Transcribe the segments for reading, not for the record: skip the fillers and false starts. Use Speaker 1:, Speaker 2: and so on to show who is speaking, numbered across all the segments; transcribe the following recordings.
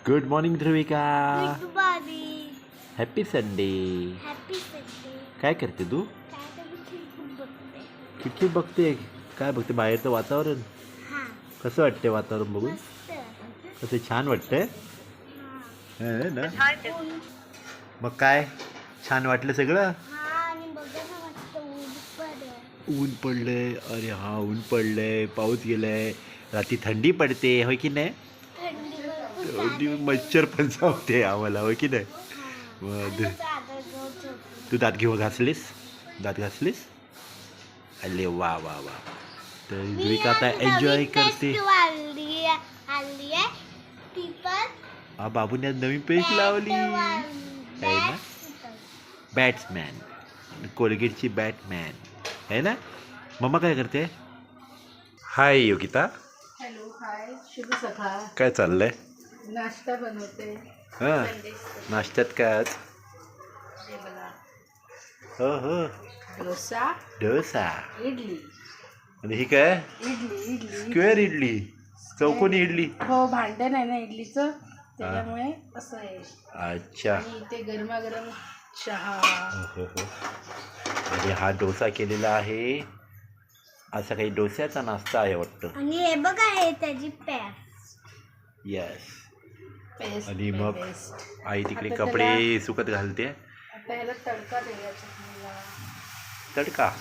Speaker 1: Good morning Dhruvika.
Speaker 2: Good morning.
Speaker 1: Happy Sunday.
Speaker 2: Happy Sunday.
Speaker 1: काय करते तू?
Speaker 2: काय तर मी खिडकीत बघते.
Speaker 1: खिडकीत बघते. काय बघते? बाहेरचं वातावरण
Speaker 2: हां.
Speaker 1: कसं वाटते? वातावरण बघून
Speaker 2: मस्त.
Speaker 1: कसं छान वाटतंय
Speaker 2: हां.
Speaker 1: ना. मग काय छान वाटलं सगळं?
Speaker 2: हां आणि बघा ना मस्त ऊन पडलं.
Speaker 1: ऊन पडलंय. अरे हा ऊन पडलंय, पाऊस गेलाय, रात्री थंडी पडते होय की नाही?
Speaker 2: थंडी भरपूर
Speaker 1: थंडी
Speaker 2: चालू आहे.
Speaker 1: मच्छर पण चावते आम्हाला होय की नाही?
Speaker 2: हां.
Speaker 1: मग
Speaker 2: आणि चादर घेऊन झोपली.
Speaker 1: तू दात घेऊन घासलीस? दात घासलीस? अरे वा वा वा. तर
Speaker 2: मी
Speaker 1: ध्रुविका आता
Speaker 2: आज
Speaker 1: एन्जॉय
Speaker 2: नवीन
Speaker 1: करते.
Speaker 2: पेस्ट आणली आहे. ती पण
Speaker 1: हा बाबूने आज नवीन पेस्ट लावली आहे ना. बॅट्समॅन, कोलगेटची बॅटमॅन आहे ना. मम्मा काय करते? हाय योगिता.
Speaker 3: हॅलो हाय शुभ सकाळ.
Speaker 1: काय चाललंय?
Speaker 3: नाश्ता बनवते.
Speaker 1: हां
Speaker 3: संडे
Speaker 1: नाश्त्यात काय आज?
Speaker 3: हे बघा
Speaker 1: हो हो
Speaker 3: डोसा
Speaker 1: डोसा.
Speaker 3: इडली
Speaker 1: आणि ही काय?
Speaker 3: इडली इडली
Speaker 1: स्क्वेअर इडली, चौकोनी इडली.
Speaker 3: हो भांडण आहे ना इडलीचं त्याच्यामुळे असं आहे.
Speaker 1: अच्छा.
Speaker 3: आणि इथे गरमागरम चहा.
Speaker 1: हो हो. आणि हा डोसा केलेला आहे. असा काही डोस्याचा नाश्ता आहे वाटतं.
Speaker 2: आणि हे बघा हे त्याची पेस्ट.
Speaker 1: येस.
Speaker 3: पेस्ट
Speaker 1: आणि मग
Speaker 3: पेस्ट.
Speaker 1: आई तिकडे
Speaker 3: आता
Speaker 1: कपडे सुकत घालते.
Speaker 3: आता ह्याला तडका द्यायचा चटणीला.
Speaker 1: तडका.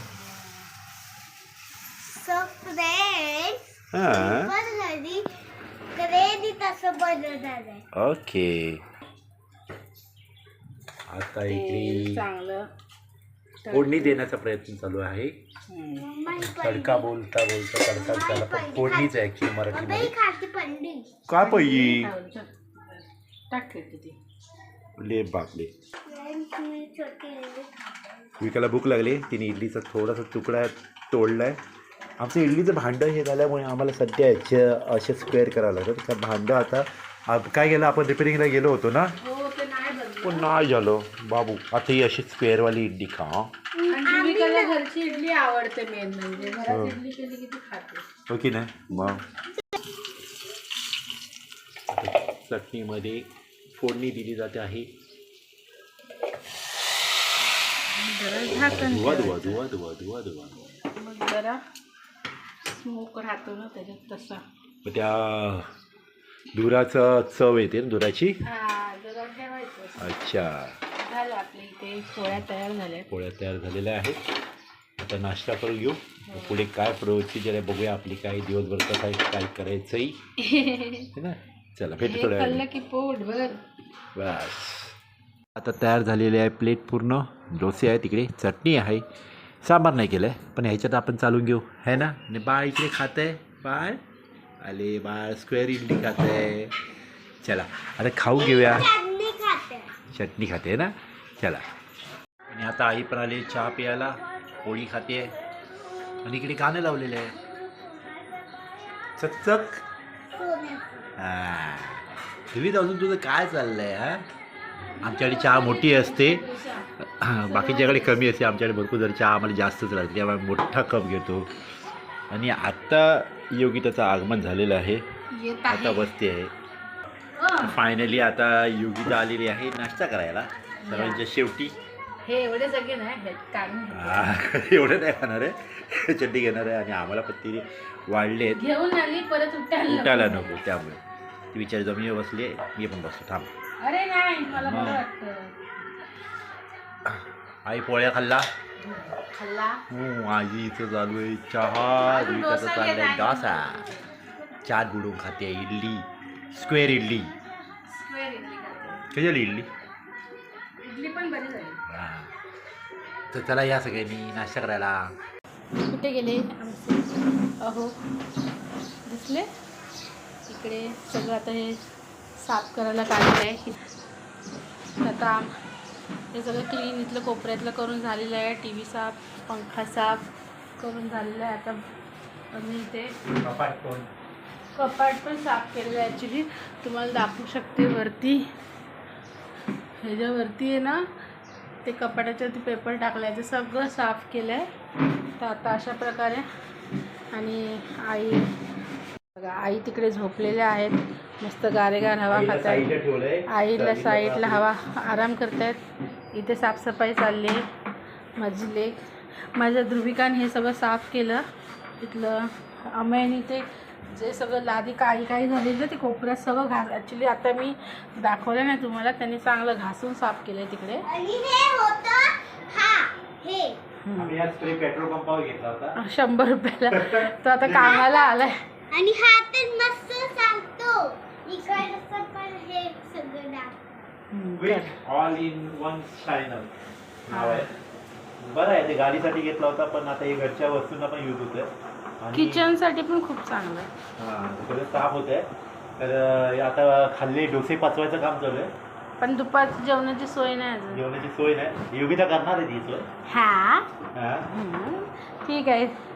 Speaker 2: सो फ्रेंड्स
Speaker 1: हां
Speaker 2: पण घरी ग्रेव्ही तसं बनवणार आहे.
Speaker 1: ओके. आता
Speaker 3: तेल
Speaker 1: इकडे
Speaker 3: चांगलं
Speaker 1: फोडणी देण्याचा प्रयत्न चालू आहे.
Speaker 2: मम्मा ही
Speaker 1: तडका बोलता बोलता तडका त्याला पण फोडणीच आहे ॲक्च्युली
Speaker 2: मम्मा
Speaker 1: मराठीमध्ये.
Speaker 2: ही खाती पंडी.
Speaker 1: का पाहिजे?
Speaker 3: टाक ती.
Speaker 1: ले बापले.
Speaker 2: फ्रेंड्स मी छोटी इडली
Speaker 1: विकाला भूक लागली. तिने इडलीचा थोडासा तुकडा तोडलाय. आमचं इडलीचं भांडं हे झाल्यामुळे आम्हाला सध्या असे स्क्वेअर करावं लागतं. त्या भांडं आता काय गेलं, आपण रिपेरिंगला गेलो होतो ना,
Speaker 3: हो ते नाही बनलं.
Speaker 1: पण नाही झालं बाबू. आता ही अशी स्क्वेअरवाली इडली खा.
Speaker 3: आणि ध्रुविकाला घरची इडली आवडते. मेन म्हणजे घरात इडली केली की ती खाते.
Speaker 1: हो की नाही. मग चटणीमध्ये फोडणी दिली जाते आहे.
Speaker 3: जरा झाकण
Speaker 1: धुवा
Speaker 3: ठेवायचं.
Speaker 1: धुवा धुवा धुवा धुवा धुवा.
Speaker 3: मग जरा स्मोक राहतो ना त्याच्यात तसा.
Speaker 1: मग त्या धुराचं चव येते ना धुराची.
Speaker 3: हा जरा ठेवायचं.
Speaker 1: अच्छा.
Speaker 3: झालं आपल्या इथे पोळ्या तयार झाल्या.
Speaker 1: पोळ्या तयार झालेल्या आहेत. आता नाश्ता करून घेऊ. पुढे काय प्रवृत्ती जरा बघूया आपली, काय दिवसभर काय करायचंही है ना. चला भेटू थोड्या
Speaker 3: खाल्लं
Speaker 1: वेळाने.
Speaker 3: की पोट भर.
Speaker 1: बस. आता तयार झालेली आहे प्लेट पूर्ण. डोसे आहे, तिकडे चटणी आहे, सांबार नाही केलं आहे, पण ह्याच्यात आपण चालून घेऊ है ना. आणि बाळ इकडे खात आहे. बाळ आले. बाळ स्क्वेअर इडली खात आहे. चला आता खाऊ घेऊया.
Speaker 2: चटणी खाते.
Speaker 1: चटणी खाते ना. चला. आणि आता आई पण आली चहा प्यायला. पोळी खाते आणि इकडे गाणं लावलेलं आहे चकचक. हां तुम्ही अजून तुझं काय चाललं आहे? हां आमच्याकडे चहा मोठी असते, बाकीच्याकडे कमी असते. आमच्याकडे भरपूर जर चहा आम्हाला जास्तच लागते, त्यामुळे मोठा कप घेतो. आणि आत्ता योगिताचं आगमन झालेलं आहे.
Speaker 3: येत
Speaker 1: आता
Speaker 3: आहे.
Speaker 1: बसते आहे. फायनली आता योगिता आलेली आहे नाश्ता करायला सर्वांच्या शेवटी.
Speaker 3: हे एवढे सगळे नाही हे काढून घे.
Speaker 1: एवढं नाही खाणार आहे, चटणी घेणार आहे. आणि आम्हाला पण तिने वाढले आहेत,
Speaker 3: घेऊन आली परत
Speaker 1: उठायला नको, त्यामुळे ती विचार जमिनीवर बसली आहे. मी पण बसतो थांब.
Speaker 3: अरे नाही मला बरं वाटतं.
Speaker 1: आई पोळ्या खाल्ला.
Speaker 3: खाल्ला.
Speaker 1: आजीचं चालू आहे चहा. विकाचं चाललं आहे डोसा. चाट बुडून खाते इडली, स्क्वेअर इडली.
Speaker 3: स्क्वेअर इडली खाते.
Speaker 1: कशी झाली इडली?
Speaker 3: इडली पण बरी झाली.
Speaker 1: हां. तर चला या सगळ्यांनी नाश्ता करायला.
Speaker 3: कुठे गेले आमचे? अहो दिसले इकडे सगळं. आता हे साफ करायला काढलेलं आहे. आता हे सगळं क्लीन इथलं कोपऱ्यातलं करून झालेलं आहे. टी व्ही साफ, पंखा साफ करून झालेला आहे. आता आम्ही इथे कपाट पण साफ केलेलं आहे. ॲक्च्युली तुम्हाला दाखवू शकते वरती. ह्याच्यावरती आहे ना ते कपाटाच्यावरती पेपर टाकला आहे. ते सगळं साफ केलं आहे. तर आता अशा प्रकारे. आणि आई बघा आई तिकडे झोपलेल्या आहेत, मस्त गारेगार हवा
Speaker 1: आईला
Speaker 3: खात
Speaker 1: साईडला
Speaker 3: आहेत.
Speaker 1: ठेवलंय.
Speaker 3: आईला
Speaker 1: सर्दीला
Speaker 3: साईडला
Speaker 1: वाचली.
Speaker 3: हवा आराम करतायत. इथे साफसफाई चालली आहे. माझी लेक माझ्या ध्रुविकाने हे सगळं साफ केलं. इथलं अमयाने ते जे सगळं लादी काही झालेलं ते कोपऱ्यात सगळं ॲक्च्युली आता मी दाखवलं नाही तुम्हाला, त्यांनी चांगलं घासून साफ केलं आहे तिकडे.
Speaker 2: आणि हे होतं हे
Speaker 1: आम्ही आज स्प्रे पेट्रोल पंपावर घेतला होता
Speaker 3: 100 रुपयाला. तो आता कामाला आलाय.
Speaker 2: आणि हा तर मस्त सांगतो इकडे असं पण हे सगळं दाखव.
Speaker 1: With all in one shiner नाव आहे. बरं आहे, ते गाडीसाठी घेतला होता पण आता हे घरच्या वस्तूंना पण यूज होतंय आणि
Speaker 3: किचनसाठी पण खूप चांगलं आहे.
Speaker 1: हां सगळं साफ होत आहे. तर आता खाल्ले डोसे पचवायचं काम चालू आहे.
Speaker 3: पण दुपारची जेवणाची सोय नाही अजून.
Speaker 1: जेवणाची सोय नाही. योगिता करणार आहे ती सोय.
Speaker 3: हा
Speaker 1: हां
Speaker 3: ठीक आहे.